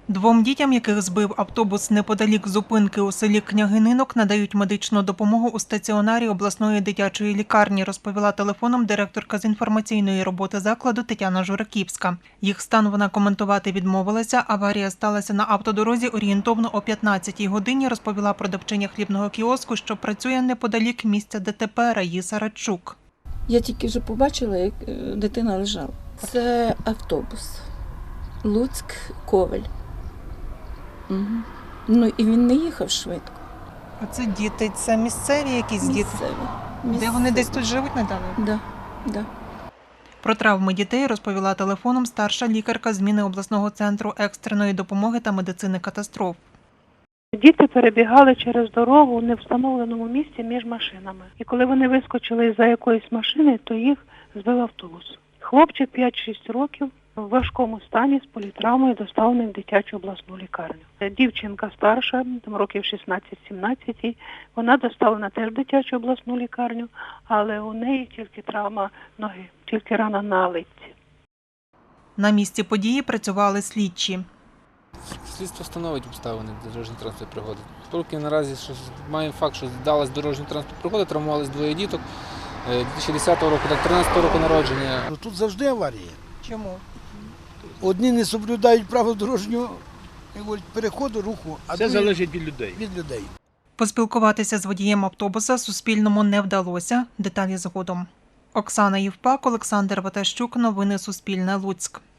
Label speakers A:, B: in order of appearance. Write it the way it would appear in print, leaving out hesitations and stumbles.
A: Двом дітям, яких збив автобус неподалік зупинки у селі Княгининок, надають медичну допомогу у стаціонарі обласної дитячої лікарні, розповіла телефоном директорка з інформаційної роботи закладу Тетяна Жураківська. Їх стан вона коментувати відмовилася. Аварія сталася на автодорозі орієнтовно о 15-й годині, розповіла продавчиня хлібного кіоску, що працює неподалік місця ДТП Раїса Радчук.
B: Я тільки вже побачила, як дитина лежала. Це автобус. Луцьк-Ковель. Угу. Ну і він не їхав швидко.
A: А це діти, це місцеві якісь діти?
B: Місцеві.
A: Де вони десь тут живуть недавно?
B: Да.
A: Про травми дітей розповіла телефоном старша лікарка зміни обласного центру екстреної допомоги та медицини катастроф.
C: Діти перебігали через дорогу у невстановленому місці між машинами. І коли вони вискочили за якоїсь машини, то їх збив автобус. Хлопчик 5-6 років в важкому стані з політравмою доставлений в дитячу обласну лікарню. Дівчинка старша, там років 16-17, вона доставлена теж в дитячу обласну лікарню, але у неї тільки травма ноги, тільки рана на литці.
A: На місці події працювали слідчі.
D: Слідство встановить обставини дорожньо-транспортної пригоди. Поки наразі маємо факт, що здалась дорожньо-транспортна пригода, травмувались двоє діток 2010 року та 2013 року народження.
E: Тут завжди аварії.
A: Чому?
E: Одні не соблюдають правил дорожнього переходу, руху, а
F: це залежить від людей.
A: Поспілкуватися з водієм автобуса Суспільному не вдалося. Деталі згодом. Оксана Євпак, Олександр Ватащук. Новини Суспільне. Луцьк.